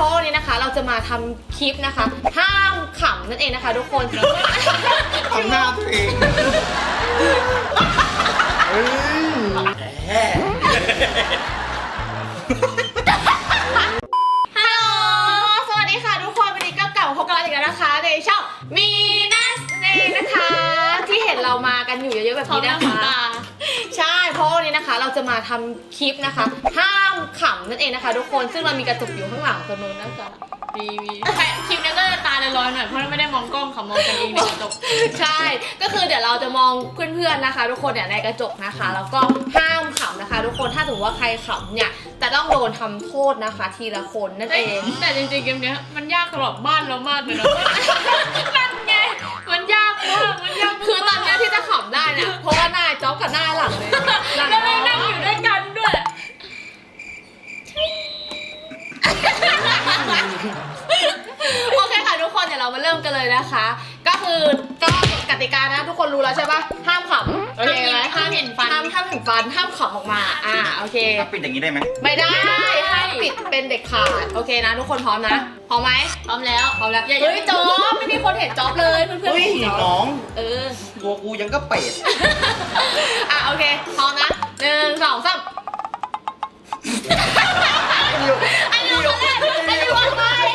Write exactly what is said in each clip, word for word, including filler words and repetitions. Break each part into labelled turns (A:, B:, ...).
A: ราะวันนี้นะคะเราจะมาทำคลิปนะคะห้ามขำนั่นเองนะคะทุกคน
B: ทำหน้าตัวเอง
A: ฮัลโหลสวัสดีค่ะทุกคนวันนี้ก็กลับมาพบกันอีกแล้วนะคะในช่องมีนัสเนนะคะที่เห็นเรามากันอยู่เยอะๆแบบนี้นะคะใช่เพราะวันนี้นะคะเราจะมาทำคลิปนะคะห้ามขำนั่นเองนะคะทุกคนซึ่งเรามีกระจกอยู่ข้างหลังตัวนู้นนะคะ
C: มีมีคลิปนี้ก็จะตาลอยๆหน่อยเพราะไม่ได้มองกล้องค่ะมองกันเองในกระจก
A: ใช่ก็คือเดี๋ยวเราจะมองเพื่อนๆนะคะทุกคนเนี่ยในกระจกนะคะแล้วก็ห้ามขำนะคะทุกคนถ้าสมมติว่าใครขำเนี่ยจะต้องโดนทำโทษนะคะทีละคนนั่นเอง
C: แต่จริงๆเกมนี้มันยากสำหรับบ้านเรามากเลยนะนั่นไงมันยากมากมันยาก
A: คือตอนนี้ที่จะขำได้เนี่ยเพราะว่าหน้าจ๊อบกับหน้าหลังเลย
C: แล้วเรานั่งอยู่ด้วยกันด้วย
A: โอเคค่ะทุกคนเดี๋ยวเรามาเริ่มกันเลยนะคะก็คือก็กติกานะทุกคนรู้แล้วใช่ปะห้ามขำโอเคไหม
C: ห้ามเห็นฟัน
A: ห้ามห้ามเห็นฟันห้ามขำออกมาอ่าโอเค
B: ปิดอย่างนี้ได้ไหม
A: ไม่ได้ห้ามปิดเป็นเด็กขาดโอเคนะทุกคนพร้อมนะพร้อมไหม
C: พร้อมแล้ว
A: พร้อมแล้วเฮ้ยจ๊อบไม่มีคนเห็นจ๊อบเลยเพื่อนเพื่อนเห็นจ๊อบ
B: น้อง
A: เออ
B: ตัวกูยังก็เป็ด
A: อ่ะโอเคพร้อมนะหนึ่งสองสามอันนี้ยังไม่ได้อันนี้ยังไม่ได้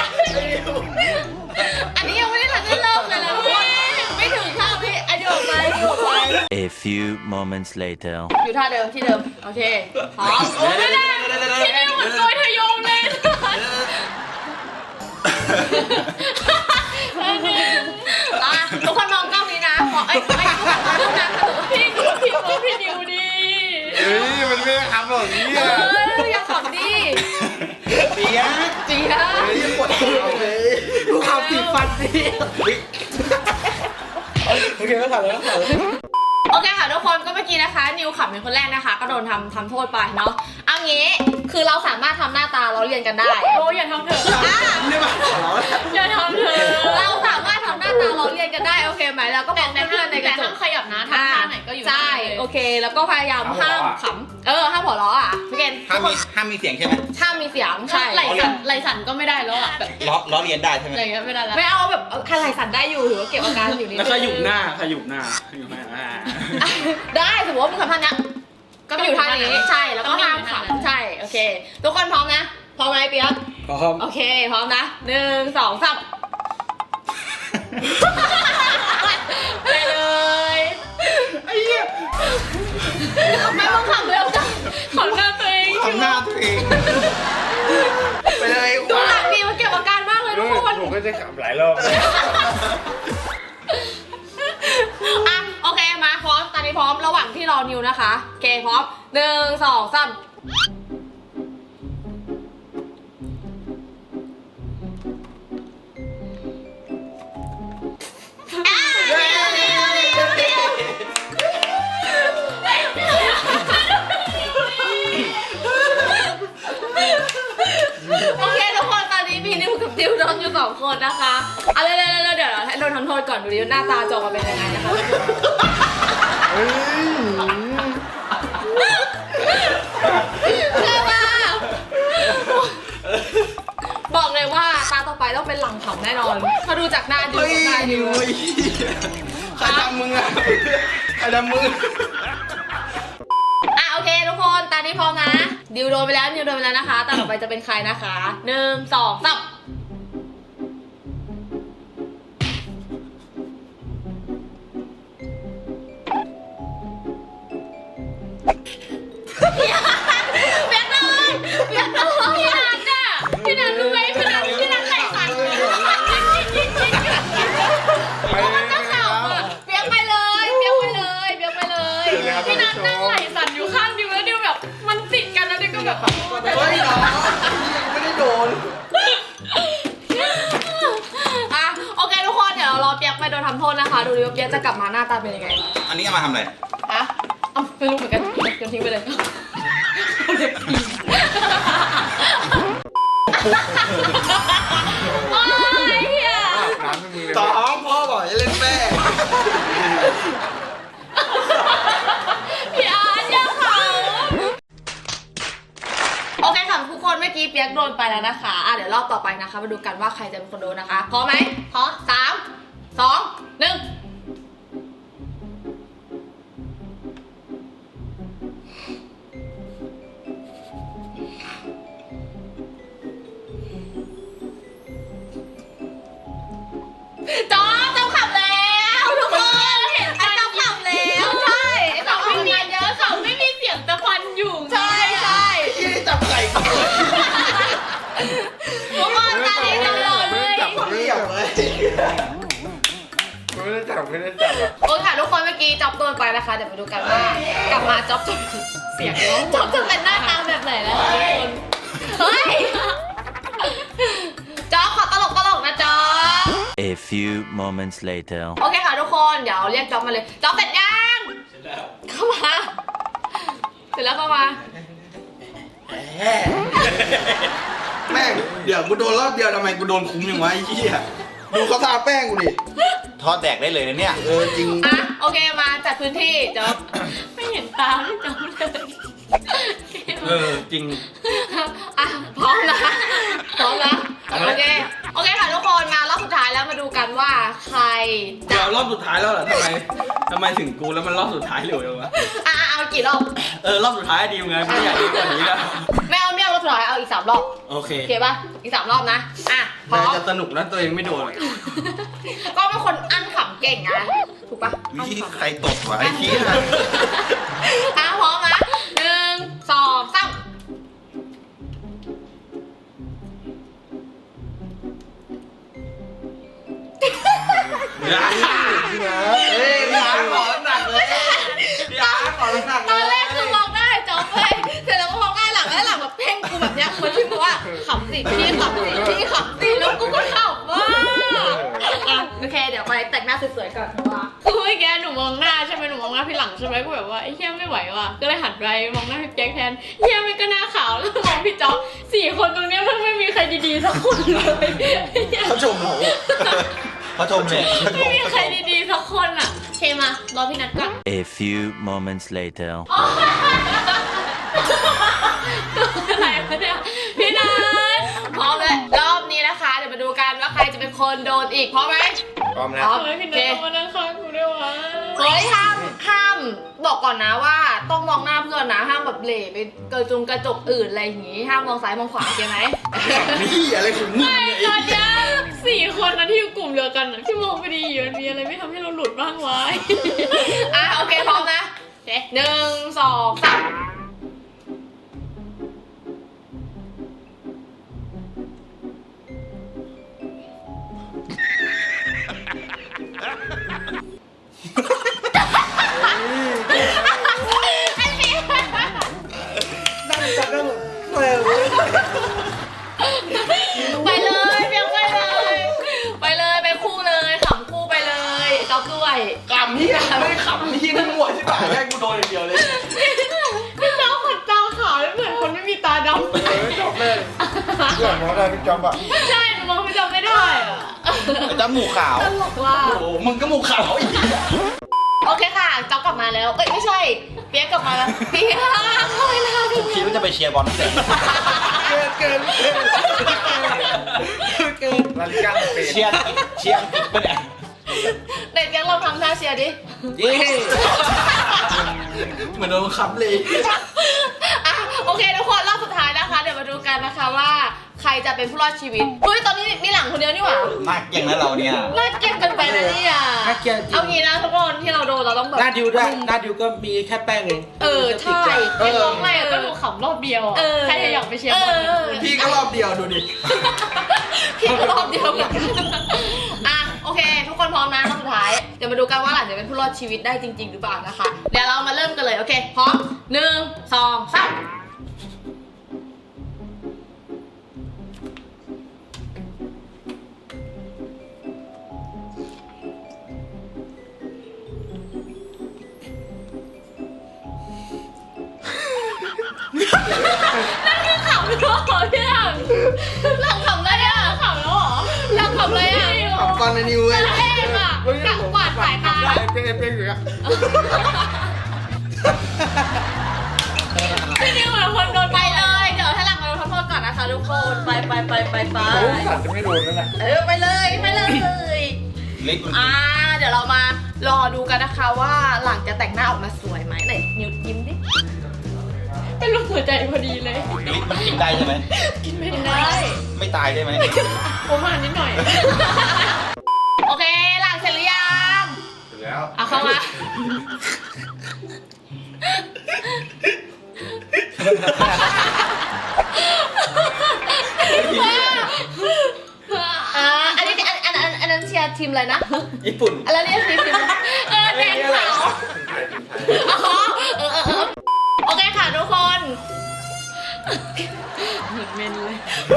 A: อันนี้ยังไม่ได้ทันได้เริ่มเลยนะไม่ถึงข้าวพี่อันนี้ออกไปออกไป
D: A few moments later
A: อยู่ท่าเดิมที่เดิมโอเคพร้อม
C: โอ้ไม่ได้ที่นี่เหมือนโดยทยมเลย
A: อ่ะทุกคนมองกล้องนี้นะขอไอ้ไอ้ทุกคนนะ
C: พี่ดูพี่ดูพี่ดิวดี
B: เฮ้ยมันไม่ทำแบบนี้
A: เอออย่าขำดิ
B: เจี๊ยบ
A: เจี๊ยบ
B: เฮ้ยปวดหัวเลยกูขำติดฟันสิโอเคแล้วถ่ายแล้วถ่าย
A: โอเคค่ะทุกคนก็เมื่อกี้นะคะนิวขำเป็นคนแรกนะคะก็โดนทำทำโทษไปเนาะเอางี้คือเราสามารถทำหน้าตาล้อเลียนกันได้
C: โอ้อย่าทำเถอะอย่าทำเถอะ
A: เราสามารถทำหน้าตาล้อเลียนกันได้โอเคไหมแล้วก็มองเพื่อนในกระจก
C: ขยับนะทำท่าไหนก็อยู่
A: ใช่โอเคแล้วก็พยายามห้ามขำเออห้ามหัวเราะอ่ะพี่เกณฑ์
B: ห้ามมีห้ามมีเสียงใช่ไหม
A: ห้ามมีเสียงใช่
C: ไหลสั่นไหลสั่นก็ไม่ได้แล้วอ่ะแบบ
B: ล้อล้อเลียนได้ใช่ไหม
C: อะไรเงี้ยไม่ได้แล้ว
A: ไม่เอาแบบไหลสั่นได้อยู่หรือว่าเก็บอาการอยู่นิดนึง
E: แล้วขยุบหน้าขยุบหน้าขยุบหน้า
A: ได้สมมติว่ามึงทำท่านี้ก็อยู่ท่านี้ใช่แล้วก็ห้ามขำใช่โอเคทุกคนพร้อมนะพร้อมไหมเปี๊ยก
B: พร้อม
A: โอเคพร้อมนะหนึ่งสองสามไปเลย
B: ไอ้เหี้ย
A: ไม่ต้องขำเร็วจัง
C: ขำหน้าตัวเอง
B: ทำหน้าตัวเองไปเลย
A: ดูหลังดีมันเก็บอาการมากเลยทุกคน
E: ผมก็จะขำหลายรอบ
A: อ่ะโอเคมาพร้อมตอนนี้พร้อมระหว่างที่รอนิวนะคะโอเคพร้อมหนึ่งสองสามโอเคทุกคนตอนนี้มีนิวกับดิวโดนอยู่สองคนนะคะเอาเร็วๆเดี๋ยวให้โดนทำโทษก่อนดูดิหน้าตาจอมาเป็นยังไงนะคะใช่ป่ะบอกเลยว่าตาต่อไปต้องเป็นหลังขำแน่นอนเขาดูจากหน้าดิวหน้าดิว
B: ใครทำมึงอะใครทำมึง
A: อ่ะโอเคทุกคนตานี้พร้อมนะดิวโดนไปแล้วดิวโดนไปแล้วนะคะตาต่อไปจะเป็นใครนะคะหนึ่งสองสามเปียกเลยเปียกเลย
C: พี่นัทอ่ะพี่นัทรู้ไหมพี่นัทพี่นัทไหลสั่น
A: มันต้องข่าวอ่ะเปียกไปเลยเปียกไปเลยเปียกไปเลย
C: พี่นัทนั่งไหลสั่นอยู่ข้างดิวแล้วดิวแบบมันติดกันแล้วดิวก็แบบ
B: เฮ้ยน้องไม่ได้โดน
A: อ่ะโอเคทุกคนเดี๋ยวเรารอเปียกไปโดนทำโทษนะคะดูดิว่าเปียกจะกลับมาหน้าตาเป็นยังไง
B: อันนี้เอามาทำอะไร
A: อะเอาไม่รู้เหมือนกันโยนทิ้งไปเลยโอ้ยเฮีย
B: สองพ่อบอกจะเล่นแม่
A: พี่อาร์ตยังเขาโอเคค่ะทุกคนเมื่อกี้เปียกโดนไปแล้วนะคะอ่ะเดี๋ยวรอบต่อไปนะคะมาดูกันว่าใครจะเป็นคนโดนนะคะพร้อมไหมพร้อมสามสองหนึ่งจอมจอมขับแล้วทุกคนเห็นไอ้จอมขับแล้วใช่ไอ้จอมทำงานเยอะ
C: เขาไม่มีเสียงตะควันอยู่
A: ใช่ใช่
B: ที่ได้จับไก่ก่อน
A: ทุกคนตาดีตลอดเลย
B: จับเรียบเลยไม่ได้จับไม่ได้จับอ่ะ
A: โอ้ยค่ะทุกคนเมื่อกี้จ๊อบโดนไปนะคะเดี๋ยวมาดูกันว่ากลับมาจ๊อบจะเสียงร้องจ๊อบจะเป็นหน้าตาแบบไหนแล้วทุกคนเฮ้ยจ๊อบขอตลกตลกนะจ๊อบ
D: A few moments later.
A: โอเคค่ะทุกคนเดี๋ยวเรียกจ๊อบมาเลยจ๊อบเสร็จยังเข้ามาเสร็จแล้วเข้ามา
B: แม่งเดี๋ยวกูโดนรอบเดียวทำไมกูโดนคุ้มอย่างวะไอ้เหี้ยดูเขาทาแป้งกูดิ
F: ทอดแดกได้เลยนะเนี่ย
B: เออจริง
A: อ่ะโอเคมาจัดพื้นที่จ๊อบ
C: ไม่เห็นตาไม่จำเลย
E: เออจริง
A: อ่ะพร้อมนะพร้อมนะโอเคโอเคค่ะทุกคนมารอบสุดท้ายแล้วมาดูกันว่าใคร
E: เดี๋ยวรอบสุดท้ายแล้วเหรอทำไมทำไมถึงกูแล้วมันรอบสุดท้ายเร็วจังวะ
A: อ่ะเอากี่รอบ
E: เออรอบสุดท้ายดีไงไม่อยากดีกว่านี้แล้ว
A: ไม่เอาไม่เอารอบสุดท้ายเอาอีกสามรอบ
E: โอเค
A: โอเคป่ะอีกสามรอบนะอ่ะพร้อ
E: น่าม จะสนุกนะตัวเองไม่โดน
A: ก็เป็นคนอั้นขำเก่งนะถูกป่ะ
F: วิธีใครตดวะไอ้ขี้ย
A: อ่ะพร้อมนะหนึ่งสองสาม
B: พี่นะเฮ้ยพี่อาร์ขอหนักเลยพี่อาร์ขอหนัก
A: ต
B: เล
A: อน
B: ย
A: แรกคือมองได้จ๊อบเลยเสร็จแล้วก็มองได้หลังแล้วหลังแบบเพ่งกูแบบเนี้ยเหมือนที่บอกว่าขำสิพี่ขำสิพี่ขำสิแล้วกูก็ขำว่าอ่ะโอเคเดี๋ยวไปแต่งหน้าสวยๆก่อนว่า
C: คือเมื่อกี้หนูมองหน้าใช่ไหมหนูมองหน้าพี่หลังใช่ไหมก็แบบว่าไอ้เฮียไม่ไหวว่ะก็เลยหันไปมองหน้าพี่แจ็คแทนเฮียมันก็หน้าขาวแล้วมองพี่จ๊อบสี่คนตรงเนี้ยมันไม่มีใครดีๆสักคนเลย
F: เขาชมหนูเขาชมเนี่ยเขาช
C: ไม่
F: ม
C: มีใครดีๆสักคนอ่ะ
A: โอเคมารอพี่นัทก่อน
D: A few moments later.
C: อะไรวะเนี่ยพี่นัท
A: พร้อมเลยรอบนี้นะคะเดี๋ยวมาดูกันว่าใครจะเป็นคนโดนอีกพร้อมไหม
B: พร้อมนะ
A: พร้อม
C: ทำไมพี่
A: โอ
C: นั
A: เค
C: ทต้องมานั่งข้างกูด้วยวะ
A: เฮ้ยห้ามห้ามบอกก่อนนะว่าต้องมองหน้าเพื่อนนะห้ามแบบเหล่ไปเกิดจุงกระจกอื่นอะไรอย่างงี้ห้ามมองซ้ายมองขวาโอเคไหม
B: นี่อะไรของมึง
C: ไม่
B: เนี่ย
C: ตอนเนี้ยสี่คนนะที่อยู่กลุ่มเดียวกันนะที่มองไปดีอยู่มันมีอะไรไม่ทำให้เราหลุดบ้างวะ
A: อ่ะโอเคพร้อมนะโอเคหนึ่งสองสาม
B: นั่งจับได้หมดเออ
A: ไปเลยเพียงไปเลยไปเลยไปคู่เลยขำคู่ไปเลยจ๊อบด้วย
B: ขำนี่นะไม่ขำนี่นั่งหัวที่ป่าแม่งกูโดนอย่างเดียวเลย
C: พี่จ๊อบขนตาขาวแล้วเหมือนคนไม่มีตาดำ
B: เออจบเลยเรื่องมองได้พี่จอมอ่ะ
C: ใช่หนูมองพี่จ๊อบไม่ได้อะ
F: จมูกขาว
A: ตลกว่ะ
B: โอ้โหมึงก็หมูขาวอีก
A: โอเคค่ะจ๊อบกลับมาแล้วเอ้ยไม่ใช่เปียกกลับมาแล้วเปียกเข้าไปแล้ว
F: ผมคิดว่าจะไปเชียร์บอลที่ไหน
B: เกินเกินเกินเกินรันกันเป็น
F: เชียร์เชียร์อังกฤษปะเนี่ย
A: เด็กยังลองทำท่าเชียร์ดิ
F: เย้เหมือนโดนบังคับเลย
A: อ่ะโอเคทุกคนรอบสุดท้ายนะคะเดี๋ยวมาดูกันนะคะว่าใครจะเป็นผู้รอดชีวิตเฮ้ยตอนนี้มีหลังคนเดียวนี่หว่า
F: มากอย่างนั้นเราเนี่ย
A: น่าเกลียดกันไปนะเนี่ย
G: น่าเกลียดจริง
A: เอางี้นะทุกคนที่เราโดนเราต้องแบบ
G: หน้าดิวด้วยหน้าดิวก็มีแค่แป้งเอง
A: เออใช่
C: เรียกร้องอะไรก็หนูขำรอบเดียวอะ
A: เออ
C: ใครจะอยากไปเชียร์บอล
A: เออ
B: พี่ก็รอบเดียวดูดิ
A: พี่ก็รอบเดียวเหมือนกันอ่ะโอเค ทุกคนพร้อมนะรอบสุดท้ายเดี๋ยวมาดูกันว่าหลานจะเป็นผู้รอดชีวิตได้จริง ๆ หรือเปล่านะคะเดี๋ยวเรามาเริ่มกันเลยโอเคพร้อมหนึ่งสองสามขำแล้วเหรอพี่หลังหลังขำได้อะขำแล้วเหรอหลังขำเลยอะ
B: ขำฟันในนิวเว้ย
A: เอ๊ะอะกักกวาดสายตา
B: ได้เป็นเป็นอยู่อะ
C: พี่นิวเหมือนคนโดน
A: ไปเลย เดี๋ยวถ้าหลังเราทำโทษก่อนนะคะทุกคนไปไปไปไปไป
F: โอ้สัตว์จะไม่โดนนั่นแหละ
A: เออไปเลยไปเลย
B: เล็ก
A: อ่าเดี๋ยวเรามารอดูกันนะคะว่าหลังจะแต่งหน้าออกมาสวยไหมไหนยิ้มยิ้มดิ
C: เป็นรูปหัวใจพอดีเลย
F: ลิ้นมันกินได้ใช่ไหม
C: กินไม่ได้
F: ไม่ตายได้ไหม
C: ผมอ่านนิดหน่อย
A: โอเคหลังเสร็จหรือยัง
F: ถึงแล้ว
A: เอาเข้ามาอ่าอันนี้อันอันอันอันนั้นเชียร์ทีมอะไรนะ
E: ญี่ปุ่น
A: อะไรเรียกทีมทีมอะไรเออแดงขาวอ๋อเออเออเออโอเคค่ะทุกคน
C: เหมือนเมนเลย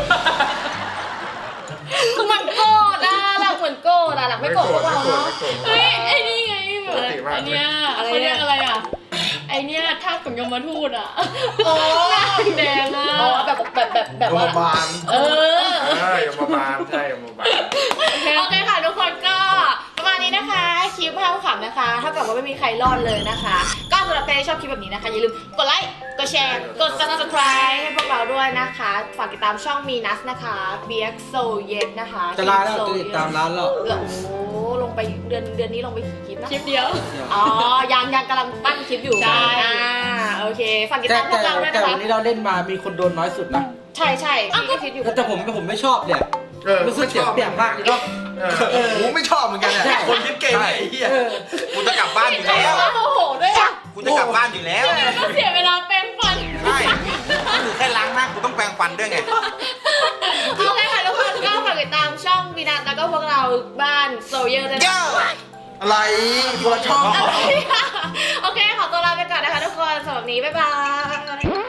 A: คือมันโกรธอะหลังเหมือนโกรธอะหลังไม่โกรธพวกเราเนาะ
C: เฮ้ยไอ้นี่ไงแบบไอ้เนี้ยเขาเรียกอะไรอ่ะไอ้เนี้ยท่าของยมทูตอ่ะ
A: โอ้
C: หน้าแดงอ่ะ
A: อ๋อแบบแบบแบบแบบว่า
F: ยมบาล
A: เออ
F: ใช่ยมบาลใช่ยมบาล
A: โอเคค่ะทุกคนก็ประมาณนี้นะคะคลิปภาพขำนะคะเท่ากับว่าไม่มีใครรอดเลยนะคะ ก็สำหรับใครที่ชอบคลิปแบบนี้นะคะอย่าลืมกดไลค์กดแชร์กด subscribe ให้พวกเราด้วยนะคะฝากติดตามช่องมีนัสนะคะ บี เอ็กซ์ So Yet นะคะ
G: จะลาแล้วจะติดตามร้านแล้ว
A: โอ้โหลงไปเดือนเดือนนี้ลงไปกี่คลิปนะ
C: คลิปเดียว
A: อ๋อยังยังกำลังปั้นคลิปอยู่
C: ใช่
A: อ่าโอเคฝากติด
G: แต่
A: ตามพว
G: แต่
A: กเราด้วย
G: แต่
A: นะคะ
G: วันนี้เราเล่นมามีคนโดนน้อยสุดนะ
A: ใช่ใช่พี่ก็คิดอยู่
G: แต่ผมผมไม่ชอบเนี่ย
F: เออ
G: รู้สึกเสียเปรียบมากเลยเนาะ
F: เออกูไม่ชอบเหมือนกันเนี่ย
G: ใช่
F: คนคิดเก่งไอ้เหี้ย
G: เออ
F: กูจะกลับบ้านอยู่
A: ใช่
F: แล้ว
A: โมโหด้วยอ่ะ
F: กูจะกลับบ้านอยู่แล้ว
C: ก็เสียเวลาแปรงฟัน
F: ใช่กูแค่ล้างหน้ากูต้องแปรงฟันด้วยไง
A: โอเคค่ะทุกคนก็ฝากติดตามช่องวีนัทแล้วก็พวกเราบ้านโซเยอร์ด้วยนะ
F: เย้อะไรคนละช่อง
A: โอเคขอตัวลาไปก่อนนะคะทุกคนสำหรับวันนี้บ๊ายบาย